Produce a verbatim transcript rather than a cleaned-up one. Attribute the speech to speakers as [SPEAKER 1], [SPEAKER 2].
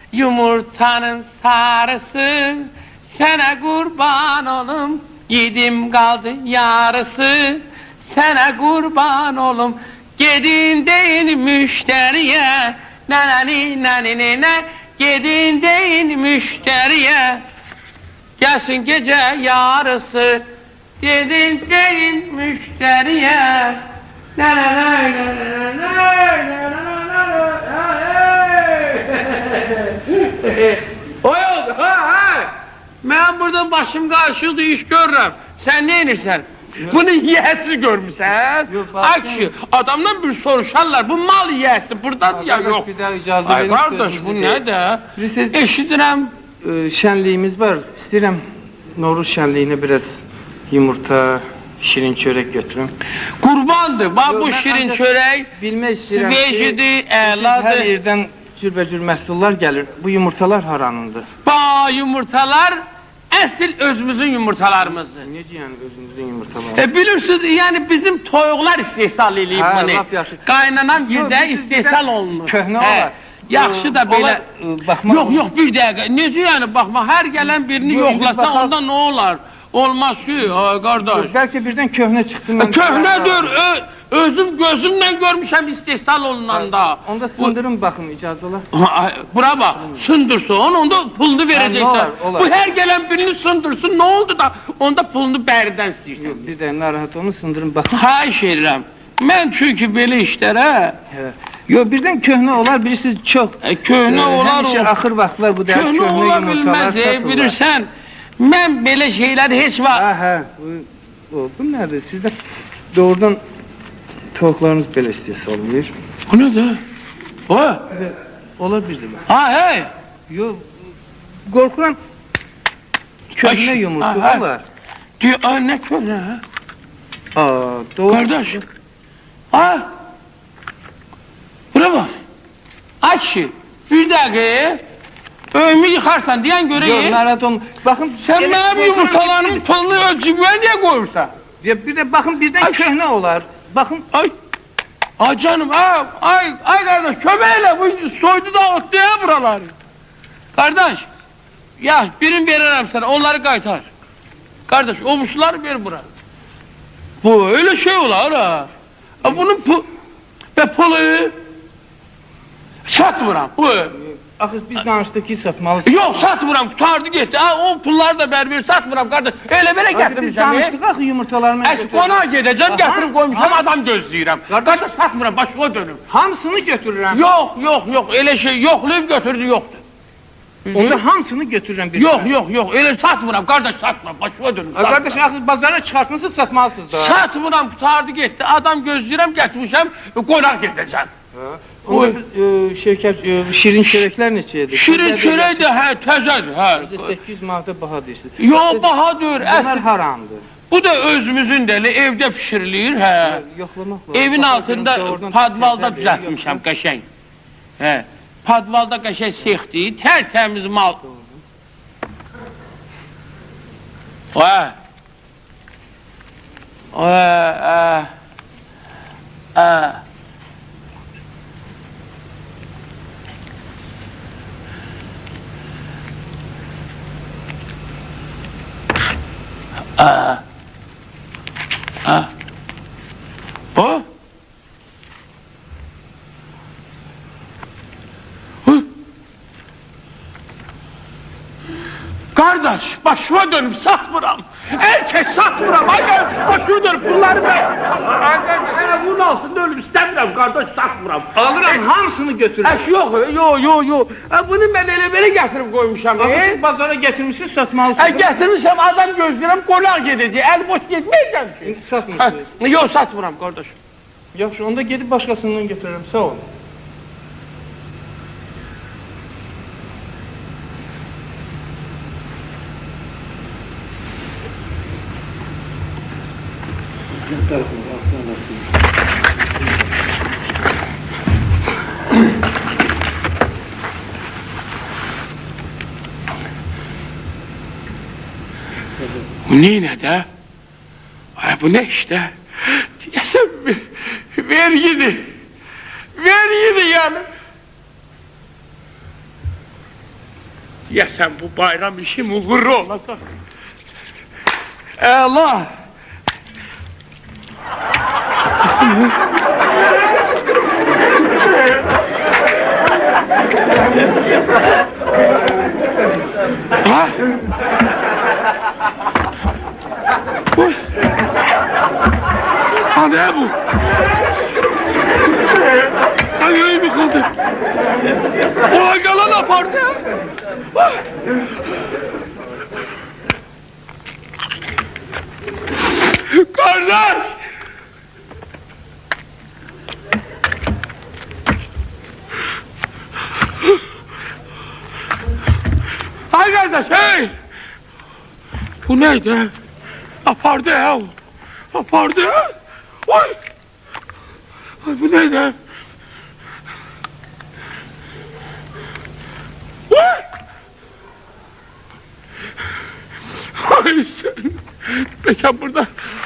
[SPEAKER 1] yumurtanın sarısı, sana kurban olum, yedim kaldı yarısı, sana kurban olum, gedin deyin müşteriye, nanani nanini ne, gedin deyin müşteriye, gelsin gece yarısı, gedin deyin müşteriye, nananay nananay o yok, ha ha! Ben burada başım karşıldı iş görürüm. Sen ne inirsen? Bunu yiyesi görmüşsen. Akşı, adamdan bir soruşarlar, bu mal yiyesi buradan ya yok.
[SPEAKER 2] Bir daha icazı
[SPEAKER 1] Ay kardeş, bu ne de? Eşidirem.
[SPEAKER 2] Ee, şenliğimiz var. İstəyirəm Novruz şenliğine biraz yumurta, şirin çörek götürün.
[SPEAKER 1] Kurbandı, bak bu şirin çörek.
[SPEAKER 2] Bilmək istəyirəm ki,
[SPEAKER 1] Vecidi, əladı.
[SPEAKER 2] hər yerdən cürbəcür məhsullar gəlir. Bu yumurtalar haranındır?
[SPEAKER 1] Ba yumurtalar əsl özümüzün yumurtalarımızdır.
[SPEAKER 2] Necə yəni özümüzün yumurtaları?
[SPEAKER 1] E bilirsiniz, yani bizim toyuqlar istehsal eləyib
[SPEAKER 2] Ha,
[SPEAKER 1] bunu.
[SPEAKER 2] lap yaxşı.
[SPEAKER 1] Qaynanan
[SPEAKER 2] Yox,
[SPEAKER 1] birdə
[SPEAKER 2] biz
[SPEAKER 1] istehsal olunur.
[SPEAKER 2] Köhnə
[SPEAKER 1] Hə,
[SPEAKER 2] olar.
[SPEAKER 1] Yaxşı da belə.
[SPEAKER 2] Olar, e, baxmaq
[SPEAKER 1] Yox,
[SPEAKER 2] olur.
[SPEAKER 1] yox, bir dəqiqə. Necə yəni baxma, hər gələn birini
[SPEAKER 2] Yox, indi
[SPEAKER 1] yoxlasa
[SPEAKER 2] baxaq.
[SPEAKER 1] onda nə olar? Olmaz ki, ay qardaş.
[SPEAKER 2] Bəlkə birdən köhnə çıxdı. mən-
[SPEAKER 1] Köhnədir, ö- özüm gözümlə görmüşəm istehsal olunanda.
[SPEAKER 2] Onda sındırın baxın, icazə olar.
[SPEAKER 1] Ha, bura bak, sındırson, onda pulunu vereceksin.
[SPEAKER 2] Ha, olar, olar.
[SPEAKER 1] Bu her gelen birini sındırsın, ne oldu da onda pulunu bərdən istəyirsən.
[SPEAKER 2] Yox, bir də narahat olun, sındırın baxın.
[SPEAKER 1] Xahiş edirəm. Mən çünki belə işlərə,
[SPEAKER 2] Hə. Yox, birdən köhnə olar, bilirsiniz çox.
[SPEAKER 1] e, köhnə
[SPEAKER 2] e,
[SPEAKER 1] olar
[SPEAKER 2] həmişə
[SPEAKER 1] o.
[SPEAKER 2] axır vaxtlar bu dəqiq
[SPEAKER 1] Köhnə
[SPEAKER 2] köhnə
[SPEAKER 1] ola
[SPEAKER 2] yumurtalar
[SPEAKER 1] bilməz, e,
[SPEAKER 2] satılır.
[SPEAKER 1] bilirsən. Mən belə şeylər heç vaxt...
[SPEAKER 2] Ha, hə, bu, o, bu nədir? Sizdə doğrudan toyuqlarınız belə istəyəsə olmuyor.
[SPEAKER 1] Bu nədir? O?
[SPEAKER 2] Olar bir də.
[SPEAKER 1] Ha, hey!
[SPEAKER 2] Yox, qorxuram köhnə
[SPEAKER 1] Ay,
[SPEAKER 2] yumurta
[SPEAKER 1] ha, ha.
[SPEAKER 2] olar.
[SPEAKER 1] Diyor, ay nə köhnə, ha?
[SPEAKER 2] Aa, doğru.
[SPEAKER 1] Kardeş, ha? Bura bak. Ay kişi, bir dəqiqə, öyümü yıxarsan deyən
[SPEAKER 2] Yox,
[SPEAKER 1] görəyim.
[SPEAKER 2] narahat olma. Baxın,
[SPEAKER 1] Sen
[SPEAKER 2] elə
[SPEAKER 1] benim
[SPEAKER 2] qorxuram
[SPEAKER 1] yumurtalarımın
[SPEAKER 2] ki-
[SPEAKER 1] pulunu ölçüme niye koyursan?
[SPEAKER 2] Ya bir də baxın, birdən
[SPEAKER 1] Ay.
[SPEAKER 2] köhnə olar. Baxın,
[SPEAKER 1] Ay, ay canım, ay, ay, ay kardeş, kömeğiyle bu soydu da ottu ya buraları. Kardeş, ya birini veririm sana, onları kaytar. Kardeş, o muşları ver bura. Bu öyle şey olar ha. Ha bunun pu... Ve pulu... Satmıram, bu.
[SPEAKER 2] axı biz danışdıq ki, satmalısınız.
[SPEAKER 1] Yok satmıram, tutardı gitti. Ha, o pulları da ver ver, satmıram kardeş. Öyle böyle
[SPEAKER 2] Axı biz
[SPEAKER 1] getirmişim.
[SPEAKER 2] danışdıq axı yumurtalarını.
[SPEAKER 1] Eş konağa gideceğim,
[SPEAKER 2] Aha,
[SPEAKER 1] getirip koymuşum,
[SPEAKER 2] aha.
[SPEAKER 1] adam gözləyirəm. Kardeş satmıram, başıma dönüm.
[SPEAKER 2] Hamısını götürürəm.
[SPEAKER 1] Yok, yok, yok, öyle şey yoxlayıb götürdü, yoktu.
[SPEAKER 2] Onda hamısını götürürəm bir.
[SPEAKER 1] Yok, yok, yok, öyle satmıram, kardeş satmıram, başıma dönüm.
[SPEAKER 2] Ay, Qardaş, axı bazara çıxartmışsınız, satmalısınız da.
[SPEAKER 1] Satmıram, tutardı gitti, adam gözləyirəm, getirmişəm, qonaq gedəcəm.
[SPEAKER 2] Onda biz, e, şirkət, e, şirin çörəklər neçədir?
[SPEAKER 1] Şirin çörək də, hə, təzədir, hə.
[SPEAKER 2] səkkiz yüz manata baha deyirsiniz.
[SPEAKER 1] Yo, bahadır,
[SPEAKER 2] Bunlar
[SPEAKER 1] əsl.
[SPEAKER 2] haramdır.
[SPEAKER 1] Bu da özümüzün dəli, evdə pişirilir, hə.
[SPEAKER 2] Yoxlamaq lazım.
[SPEAKER 1] Evin
[SPEAKER 2] Baxa,
[SPEAKER 1] altında
[SPEAKER 2] doğrudan
[SPEAKER 1] padvalda
[SPEAKER 2] təzədir,
[SPEAKER 1] düzəltmişəm,
[SPEAKER 2] yoxlamaq.
[SPEAKER 1] qəşəng. Hə, padvalda qəşəng sexdir, tərtəmiz mal. Hə. Hə, hə. Hə. Hə. Hə. O? Hı? Kardeş, başıma dönüp satmıram. Erkek satmıram. Hayır, başıma dönüp bunları ben. Kardeş, bunu alsın da ölüm istemiyorum kardeş, satmıram.
[SPEAKER 2] Alıram, hamısını götürürəm.
[SPEAKER 1] Eş yok, yok, yok, yok. E, bunu ben elə belə getirip koymuşam.
[SPEAKER 2] Axı
[SPEAKER 1] E?
[SPEAKER 2] siz bazara gətirmişsiniz,
[SPEAKER 1] E,
[SPEAKER 2] satmalısınız.
[SPEAKER 1] getirmişəm, adam gözləyirəm, qonaq gedəcək. El boş getməyəcəm ki.
[SPEAKER 2] İndi satmırsınız.
[SPEAKER 1] Ha, yok, satmıram kardeş.
[SPEAKER 2] Yaxşı, onda gedib başqasından götürürəm, sağ olun.
[SPEAKER 1] Bu ne de? Ay bu ne işte? Diyesem vergidi. Vergidi yani. Ya sen bu bayram işi muğurru olasın. Allah! Ha? Bu? Ha ne bu? Ha yayı mı kaldı? Ulan yalan apardı. Ha? Kardeş! Hay kardeş hey! Bu neydi? Apardı ya! Apardı! Oy! Ay bu neydi? Oy! Ay sen! Mekan burada.